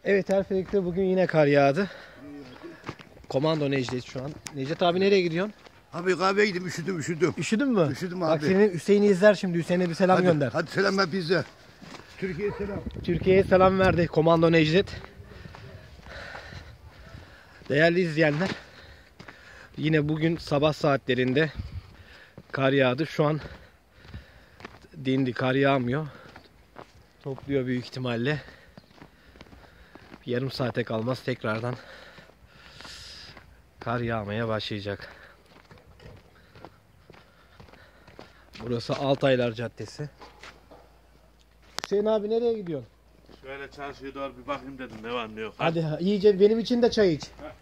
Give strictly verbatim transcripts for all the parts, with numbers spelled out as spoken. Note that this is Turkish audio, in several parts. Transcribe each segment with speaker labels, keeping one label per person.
Speaker 1: Evet, Erfelek'te bugün yine kar yağdı. Komando Necdet şu an. Necdet abi nereye gidiyorsun?
Speaker 2: Abi kahveye gittim, üşüdüm üşüdüm.
Speaker 1: Üşüdün mü?
Speaker 2: Üşüdüm
Speaker 1: Bak
Speaker 2: abi.
Speaker 1: senin Hüseyin'i izler şimdi. Hüseyin'e bir selam
Speaker 2: Hadi,
Speaker 1: gönder.
Speaker 2: hadi selam ver bize. Türkiye'ye selam.
Speaker 1: Türkiye'ye selam verdi Komando Necdet. Değerli izleyenler, yine bugün sabah saatlerinde kar yağdı. Şu an dindi, kar yağmıyor. Topluyor büyük ihtimalle. Yarım saate kalmaz tekrardan kar yağmaya başlayacak. Burası Altaylar Caddesi. Hüseyin abi nereye gidiyorsun?
Speaker 3: Şöyle çarşıya doğru bir bakayım dedim, ne var ne yok.
Speaker 1: Hadi iyice benim için de çay iç.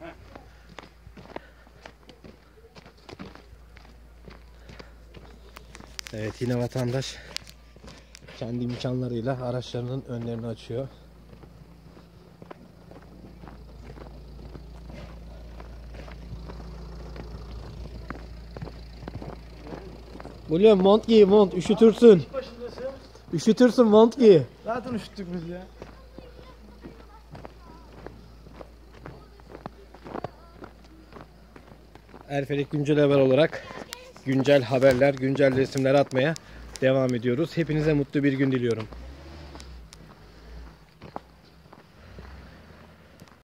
Speaker 1: Evet, yine vatandaş kendi imkanlarıyla araçlarının önlerini açıyor. William, mont giy, mont, üşütürsün. Üşütürsün, mont giy.
Speaker 4: Zaten üşüttük biz ya.
Speaker 1: Erfelek güncel haber olarak güncel haberler, güncel resimler atmaya devam ediyoruz. Hepinize mutlu bir gün diliyorum.